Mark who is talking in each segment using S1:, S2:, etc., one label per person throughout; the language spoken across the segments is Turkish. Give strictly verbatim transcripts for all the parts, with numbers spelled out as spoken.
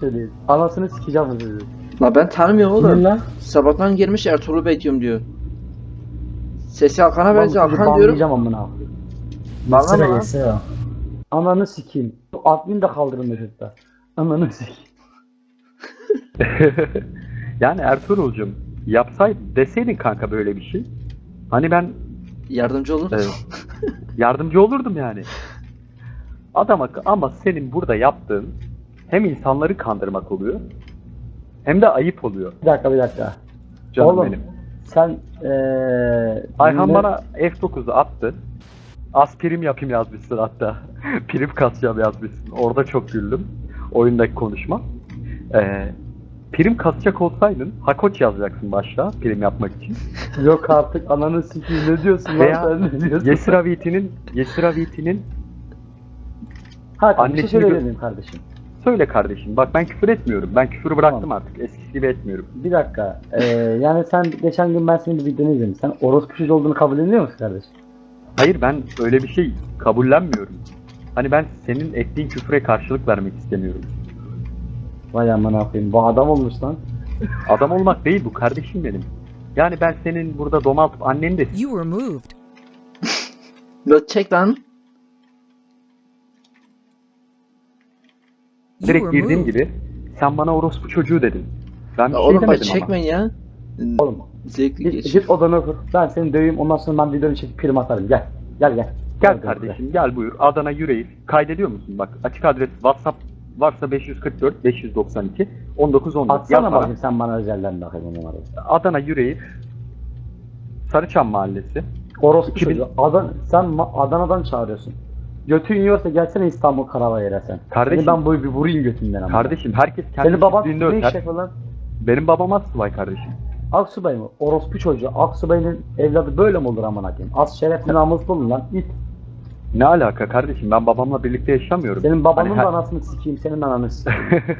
S1: söyleyin. Anasını sikeceğim sizi.
S2: La ben tanımıyorum
S1: Kimin
S2: oğlum.
S1: lan?
S2: Sabahtan girmiş Ertuğrul'u bekliyorum diyor. Sesi Hakan'a
S1: Ben bu
S2: benziyor.
S1: çocuğu
S2: Hakan diyorum.
S1: banlayacağım amına.
S2: Banlama
S3: Geçsene
S2: lan.
S3: geçsene.
S1: Ananı sikeyim. Admin de kaldırın mesutta. Ananı sikeyim.
S4: Yani Ertuğrul'cum yapsaydın deseydin kanka böyle bir şey. Hani ben
S2: Yardımcı olur.
S4: e, yardımcı olurdum yani. Adama ama senin burada yaptığın hem insanları kandırmak oluyor hem de ayıp oluyor.
S1: Bir dakika bir dakika.
S4: Canım
S1: Oğlum,
S4: benim.
S1: sen eee...
S4: Ayhan
S1: ne-
S4: bana F dokuzu attı. Az prim yapayım yazmışsın hatta. Prim kasacağım yazmışsın. Orada çok güldüm. Oyundaki konuşma. Ee, prim kasacak olsaydın Hakoç yazacaksın başta prim yapmak için.
S1: Yok artık ananı sikeyim ne diyorsun lan
S4: Veya
S1: sen ne diyorsun?
S4: Yesira Viti'nin Yesira Viti'nin
S1: Hakan bir şey
S4: annesini
S1: söyleyebilir
S4: gö-
S1: miyim kardeşim?
S4: söyle kardeşim. Bak ben küfür etmiyorum. Ben küfürü bıraktım
S1: Tamam.
S4: artık. Eskisi gibi etmiyorum.
S1: Bir dakika. Eee yani sen geçen gün ben senin bir videonu izledim. Sen orospu çocuğu olduğunu kabul ediyor musun kardeşim?
S4: Hayır ben öyle bir şey kabullenmiyorum. Hani ben senin ettiğin küfre karşılık vermek istemiyorum.
S1: Vay amına koyayım. Bu adam olmuş lan.
S4: Adam olmak değil bu kardeşim benim. Yani ben senin burada domaltıp anneni de
S5: You were moved.
S2: La çek lan.
S5: You
S4: direkt
S5: were
S4: girdiğim
S5: moved.
S4: gibi sen bana orospu çocuğu dedin. Ben bir
S2: La
S4: şey
S2: oğlum bak
S4: demedim ama.
S2: çekmeyin ya.
S1: Oğlum
S2: Zevkli
S1: git,
S2: geç.
S1: git odana otur. Ben seni döveyim ondan sonra ben videonu çekip prim atarım. Gel. Gel gel.
S4: Gel kardeşim gel buyur. Adana Yüreğir. Kaydediyor musun? Bak açık adres WhatsApp varsa beş yüz kırk dört beş yüz doksan iki on dokuz on dört.
S1: Atsana
S4: Yaz bana.
S1: bakayım sen bana özelden bakayım o numarayı.
S4: Adana Yüreğir. Sarıçam Mahallesi.
S1: Orospu
S4: iki bin
S1: çocuğu. Adan, sen Ma- Adana'dan çağırıyorsun. Götün yiyorsa gelsene İstanbul Karavayır'a sen.
S4: Kardeşim-
S1: Seni ben böyle bir vurayım götünden ama.
S4: Kardeşim herkes kendi
S1: Senin baban
S4: çiftliğinde
S1: ne iş
S4: öter.
S1: yapıyor lan?
S4: Benim babam Asubay kardeşim.
S1: Aksubay mı? Orospu çocuğu. Aksubay'ın evladı böyle mi olur amına koyayım? Az şerefli namuslu olun lan. İt.
S4: Ne alaka kardeşim? Ben babamla birlikte yaşamıyorum.
S1: Senin babanın
S4: Hani
S1: da
S4: her-
S1: anasını sikeyim, senin de ananı sikeyim.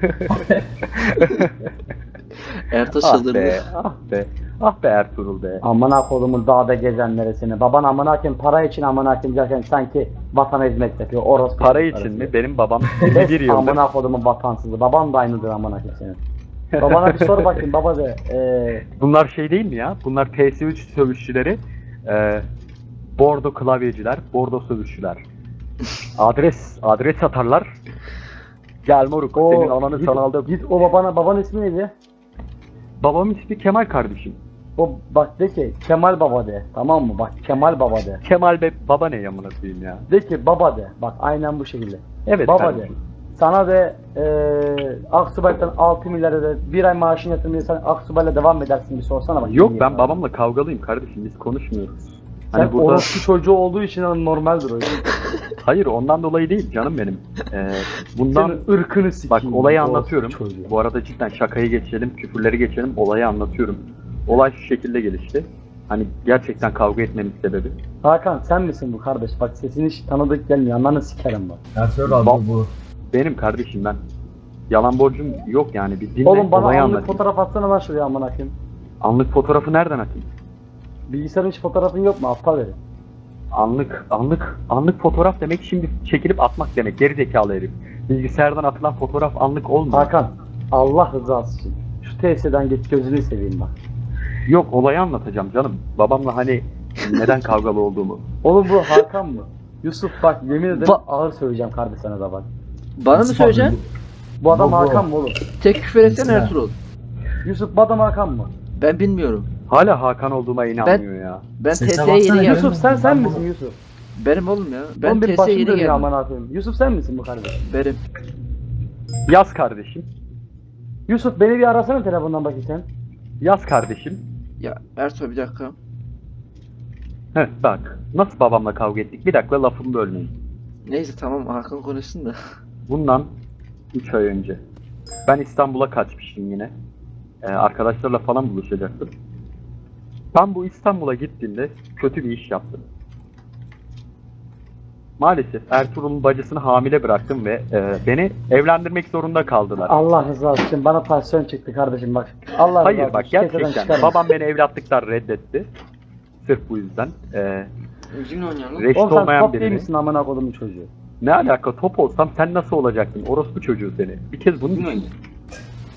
S2: Ertaş
S4: ah
S2: çıldırdı.
S4: be, ah be, ah be Ertuğrul be.
S1: Amına kodumun dağda gezenlere seni. Baban amına koyayım para için amına koyayım derken sanki vatana hizmet yapıyor. Orospu
S4: Para
S1: çocukları
S4: için mi?
S1: sizi.
S4: Benim babam yirmi bir yıldır.
S1: Amına kodumun vatansızı. Baban da aynıdır amına koyayım senin. Babana bir sor bakayım baba de. Eee
S4: Bunlar şey değil mi ya? Bunlar P S üç sövüşçüleri, e, bordo klavyeciler, bordo sövüşçüler. Adres, adres atarlar. Gel moruk,
S1: o
S4: senin ananı
S1: git,
S4: sana aldım.
S1: git o babana babanın ismi neydi?
S4: Babamın ismi Kemal kardeşim.
S1: O bak de ki Kemal baba de. Tamam mı? Bak Kemal baba de.
S4: Kemal be baba ne yamına koyayım ya.
S1: De ki baba de. Bak aynen bu şekilde.
S4: Evet
S1: Baba
S4: kardeşim.
S1: de. Sana de eee Aksubay'dan altı milyara da bir ay maaşını yatırmıyorsan Aksubay'la devam edersin bir sorsana bak.
S4: Yok
S1: Niye
S4: ben
S1: sana?
S4: babamla kavgalıyım kardeşim, biz konuşmuyoruz.
S1: Sen
S4: Hani burada
S1: orospu çocuğu olduğu için normaldir o yüzden.
S4: hayır ondan dolayı değil canım benim. Ee, bundan
S1: Senin ırkını sikeyim.
S4: bak olayı
S1: orospu
S4: anlatıyorum.
S1: çocuğu.
S4: Bu arada cidden şakayı geçelim, küfürleri geçelim, olayı anlatıyorum. Olay şu şekilde gelişti. Hani gerçekten kavga etmemin sebebi.
S1: Hakan sen misin bu kardeş? Bak sesin hiç tanıdık gelmiyor. Ananı sikerim bak.
S3: Ertuğrul abi
S4: Bak-
S3: bu.
S4: Benim kardeşim ben. Yalan borcum yok yani, bir dinle
S1: Oğlum bana
S4: olayı
S1: anlık
S4: anlatayım.
S1: fotoğraf atsana lan şuraya amına koyayım.
S4: Anlık fotoğrafı nereden atayım?
S1: Bilgisayarın hiç fotoğrafın yok mu? Aptal herif.
S4: Anlık, anlık, anlık fotoğraf demek şimdi çekilip atmak demek. Geri zekalı herif. Bilgisayardan atılan fotoğraf anlık olmuyor.
S1: Hakan Allah rızası için. Şu T S'den git gözünü seveyim bak.
S4: Yok olayı anlatacağım canım. Babamla hani neden kavgalı olduğumu.
S1: Oğlum bu Hakan mı? Yusuf bak yemin ederim
S2: Ba-
S1: ağır söyleyeceğim kardeş sana da bak.
S2: Bana mı söyleyeceksin?
S1: Bu adam
S3: Bu- bu.
S1: Hakan mı oğlum?
S2: Tek küfür etsene
S3: Mesela.
S2: Ertuğrul.
S1: Yusuf bu adam Hakan mı?
S2: Ben bilmiyorum.
S4: Hala Hakan olduğuma inanmıyor ya.
S2: Ben
S3: Sese
S2: T S'ye
S3: baksana
S2: yeni
S3: ya.
S2: geldim.
S1: Yusuf sen sen
S3: Ben bu-
S1: misin Yusuf?
S2: Benim oğlum ya. Ben
S1: Oğlum
S2: T
S1: benim
S2: S'ye
S1: başım
S2: yeni
S1: dönüyor
S2: geldim.
S1: aman akıyım. Yusuf sen misin bu kardeş?
S2: Benim.
S4: Yaz kardeşim.
S1: Yusuf beni bir arasana telefondan bakayım sen.
S4: Yaz kardeşim.
S2: Ya Ertuğrul bir dakika.
S4: Heh bak. Nasıl babamla kavga ettik? Bir dakika lafımı bölmeyin.
S2: Neyse tamam Hakan konuşsun da.
S4: Bundan üç ay önce. Ben İstanbul'a kaçmıştım yine. Ee, arkadaşlarla falan buluşacaktım. Ben bu İstanbul'a gittiğimde kötü bir iş yaptım. Maalesef Ertuğrul'un bacısını hamile bıraktım ve e, beni evlendirmek zorunda kaldılar.
S1: Allah rızası için bana tansiyon çıktı kardeşim bak. Allah
S4: Hayır
S1: rızası
S4: bak
S1: için keseden
S4: gerçekten
S1: çıkarım.
S4: babam beni evlatlıktan reddetti. Sırf bu yüzden. Ee,
S2: Üzgün oynayalım.
S4: reşit
S1: Oğlum sen
S4: olmayan
S1: top değil
S4: birini.
S1: misin amına kodumun çocuğu?
S4: Ne alaka, top olsam sen nasıl olacaktın? Orospu çocuğu seni. Bir kez bunu
S2: Değil mi?
S4: düşün.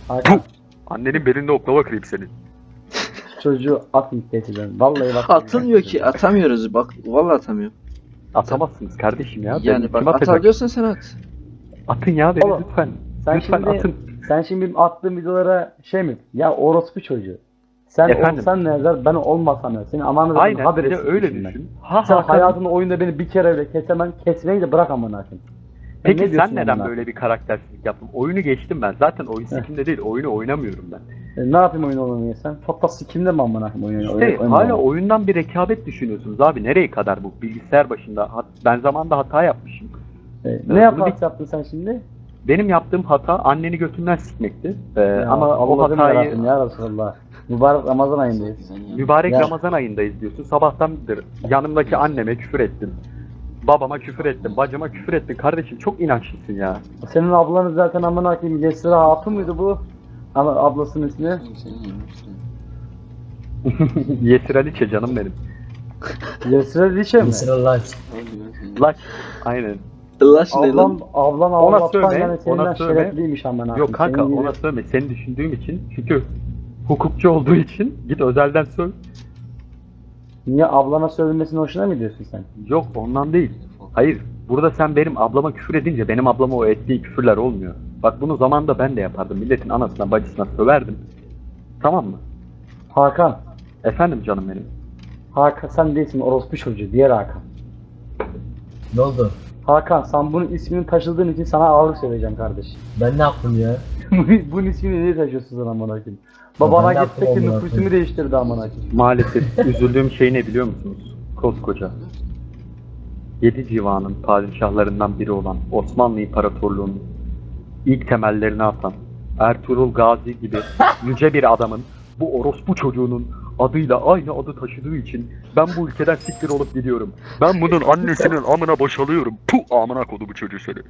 S1: Hakan
S4: Annenin belinde oklava kırayım senin.
S1: çocuğu atın tehdiden. Vallahi bak.
S2: Atılmıyor ki, atamıyoruz. Bak vallahi atamıyor.
S4: Atamazsınız kardeşim ya.
S2: Yani
S4: Beni
S2: bak
S4: kim
S2: atar
S4: atacak?
S2: diyorsan sen at.
S4: Atın ya beni
S1: Oğlum,
S4: lütfen.
S1: Sen
S4: lütfen
S1: şimdi
S4: atın.
S1: sen şimdi benim attığım videolara şey mi? Ya orospu çocuğu. Sen
S4: Efendim?
S1: olsan ne yazar, ben olmasam ne? Senin amanı
S4: Aynen
S1: haber
S4: bir de
S1: etsin
S4: öyle
S1: şimdi ben.
S4: düşün. Ha
S1: Sen
S4: Hakan,
S1: hayatında oyunda beni bir kere bile kesemen, kesmeyi de bırak amına koyayım.
S4: peki
S1: ne
S4: sen
S1: diyorsun
S4: neden
S1: amına
S4: böyle bir karaktersizlik yaptın? Oyunu geçtim ben. Zaten oyun sikimde değil. Oyunu oynamıyorum ben.
S1: E, ne yapayım oyun oynamaya sen? Çok da sikimde mi amına koyayım oyun
S4: İşte
S1: oyun- oyun
S4: hala
S1: oynamaya?
S4: oyundan bir rekabet düşünüyorsunuz abi. Nereye kadar bu? Bilgisayar başında. Hat- Ben zamanında hata yapmışım.
S1: E,
S4: bunu
S1: ne yapar
S4: bir-
S1: yaptın sen şimdi?
S4: Benim yaptığım hata anneni götünden sikmekti. Ee,
S1: Ya,
S4: ama o
S1: Allah'ım
S4: hatayı
S1: yarabbim ya Resulallah. Mübarek Ramazan ayındayız.
S4: mübarek
S1: Ya.
S4: Ramazan ayındayız diyorsun. Sabahtandır yanımdaki anneme küfür ettim. Babama küfür ettim. Bacıma küfür ettim. Kardeşim çok inançlısın ya.
S1: Senin ablanız zaten amına koyayım Yesra Hatun muydu bu? Ama ablasının ismi?
S4: Yesir Aliçe canım benim.
S1: Yesra Liçe mi?
S3: Mısır Life.
S4: Laç. Aynen.
S2: Allah şimdi
S1: Ablan,
S2: lan.
S1: ablan
S4: Ona
S1: Allah'tan
S4: sövme,
S1: yani senden
S4: ona sövme.
S1: şerefliymiş amına koyayım.
S4: Yok kanka
S1: Senin gibi-
S4: ona sövme. Seni düşündüğüm için. Çünkü hukukçu olduğu için git özelden söv.
S1: Niye ablana sövülmesine hoşuna mı gidiyorsun sen?
S4: Yok ondan değil. Hayır. Burada sen benim ablama küfür edince benim ablama o ettiği küfürler olmuyor. Bak bunu zamanında ben de yapardım. Milletin anasına bacısına söverdim. Tamam mı?
S1: Hakan.
S4: Efendim canım benim.
S1: Hakan sen değilsin orospu çocuğu. Diğer Hakan.
S3: Ne oldu?
S1: Hakan sen bunun ismini taşıdığın için sana ağır söyleyeceğim kardeşim.
S3: Ben ne yaptım ya?
S1: Bunun ismini niye taşıyorsun sen amına koyayım? Babana
S3: Ben de
S1: gitti ki
S3: yaptım amına
S1: nüfusumu
S3: koyayım.
S1: değiştirdi amına koyayım.
S4: Maalesef üzüldüğüm şey ne biliyor musunuz? Koskoca. Yedi civanın padişahlarından biri olan Osmanlı İmparatorluğu'nun ilk temellerini atan Ertuğrul Gazi gibi yüce bir adamın bu orospu çocuğunun adıyla aynı adı taşıdığı için ben bu ülkeden siktir olup gidiyorum. Ben bunun annesinin amına boşalıyorum. Puh amına kodu bu çocuğu seni.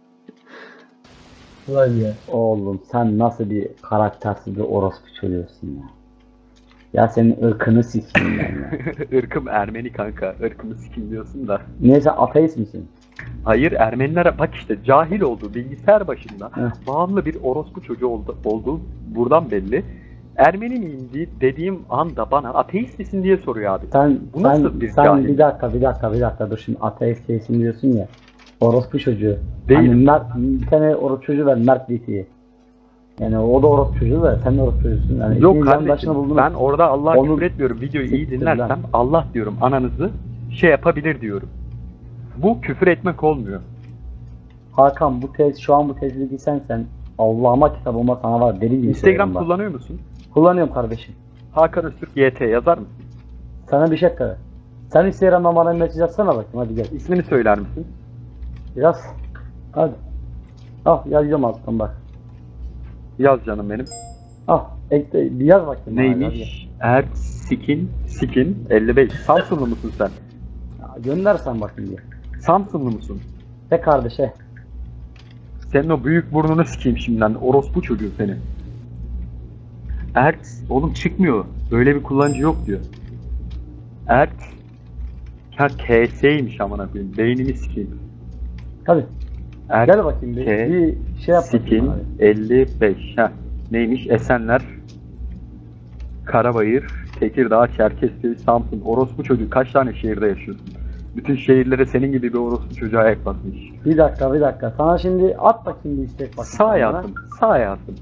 S3: Ulan ya.
S1: Oğlum sen nasıl bir karaktersiz bir orospu çocuğusun ya. Ya senin ırkını sikeyim ben ya.
S4: Irkım Ermeni kanka. Irkımı sikim diyorsun da.
S1: Niye sen ateist misin?
S4: Hayır Ermeniler bak işte cahil olduğu bilgisayar başında
S1: Heh.
S4: bağımlı bir orospu çocuğu oldu, olduğu buradan belli. Ermeni miyim diye dediğim anda bana ateist misin diye soruyor abi.
S1: Sen,
S4: Bu nasıl
S1: sen,
S4: bir
S1: sen
S4: cahil?
S1: bir dakika bir dakika bir dakika dur şimdi ateist değilsin diyorsun ya. Orospu çocuğu.
S4: Değilim.
S1: Hani Mert, bir tane orospu çocuğu ver Mert Diti'yi. Yani o da orospu çocuğu da sen de orospu çocuğusun. Yani
S4: Yok
S1: ikiniz yan başına
S4: kardeşim
S1: buldunuz.
S4: ben orada Allah'a
S1: Onun-
S4: küfür etmiyorum. Videoyu iyi
S1: Siktir
S4: dinlersem
S1: lan.
S4: Allah diyorum ananızı şey yapabilir diyorum. Bu küfür etmek olmuyor.
S1: Hakan bu tez şu an bu tezligi sen sen Allah'ıma kitabıma sana var deli gibi
S4: Instagram
S1: söylerim bak.
S4: kullanıyor musun?
S1: Kullanıyorum kardeşim.
S4: Hakan Öztürk Y T yazar mısın?
S1: Sana bir şey kadar. Sen Instagram'dan bana mesaj atsana bakayım hadi gel.
S4: İsmini söyler misin?
S1: Yaz. Hadi. Al yazacağım alttan bak.
S4: Yaz canım benim.
S1: Al ekle bir yaz bakayım. bana, hadi,
S4: Neymiş? Ersikin Sikin elli beş. Samsunlu musun sen?
S1: hadi. Ya, göndersen bakayım diye.
S4: Samsunlu musun?
S1: De kardeşe.
S4: Senin o büyük burnunu sikeyim şimdiden. Orospu çocuğu seni. Ert, oğlum çıkmıyor. Böyle bir kullanıcı yok diyor. Ert, ha K S'ymiş amına koyayım. Beynimi sikeyim.
S1: Hadi
S4: Ert,
S1: gel bakayım bir,
S4: K,
S1: bir şey yap bakayım
S4: Sikin
S1: hadi.
S4: elli beş. Ha neymiş? Esenler, Karabayır, Tekirdağ, Çerkezköy, Samsun. Orospu çocuğu kaç tane şehirde yaşıyorsun? Bütün şehirlere senin gibi bir orospu çocuğa ayak basmış.
S1: Bir dakika bir dakika. Sana şimdi at bakayım bir istek bakayım.
S4: Sağ
S1: bana.
S4: hayatım, sağ hayatım.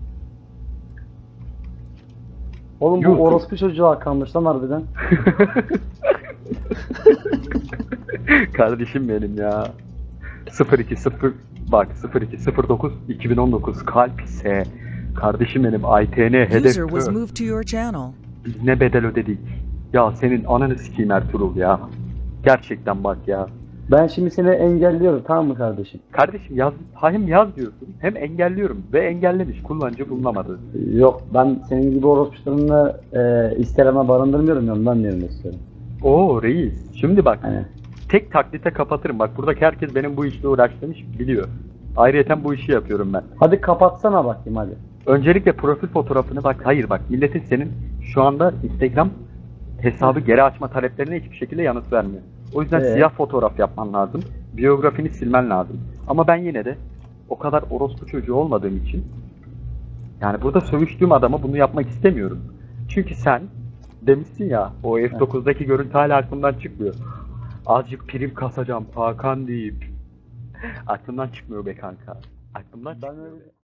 S1: Oğlum bu
S4: YouTube.
S1: orospu çocuğa kalmış lan harbiden.
S4: Kardeşim benim ya. sıfır iki sıfır bak sıfır iki sıfır dokuz iki bin on dokuz kalp ise kardeşim benim I T N hedef
S5: User was moved to your channel.
S4: biz ne bedel ödedik. Ya senin ananı sikeyim Ertuğrul ya. Gerçekten bak ya.
S1: Ben şimdi seni engelliyorum tamam mı kardeşim?
S4: Kardeşim yaz, hem yaz diyorsun hem engelliyorum ve engellemiş kullanıcı bulunamadı.
S1: Yok ben senin gibi orospularını e, Instagram'a barındırmıyorum ya ondan diyorum istiyorum.
S4: Oo reis. Şimdi bak
S1: Hani
S4: tek taklite kapatırım. Bak buradaki herkes benim bu işle uğraştığımı biliyor. Ayrıyeten bu işi yapıyorum ben.
S1: hadi kapatsana bakayım hadi.
S4: Öncelikle profil fotoğrafını bak. Hayır bak milletin senin şu anda Instagram hesabı geri açma taleplerine hiçbir şekilde yanıt vermiyor. O yüzden
S1: Ee?
S4: siyah fotoğraf yapman lazım. Biyografini silmen lazım. Ama ben yine de o kadar orospu çocuğu olmadığım için Yani burada sövüştüğüm adama bunu yapmak istemiyorum. Çünkü sen demişsin ya, o F dokuzdaki görüntü hala aklımdan çıkmıyor. Azıcık prim kasacağım Hakan deyip. Aklımdan çıkmıyor be kanka. Aklımdan
S1: Ben
S4: çıkmıyor
S1: öyle-
S4: be.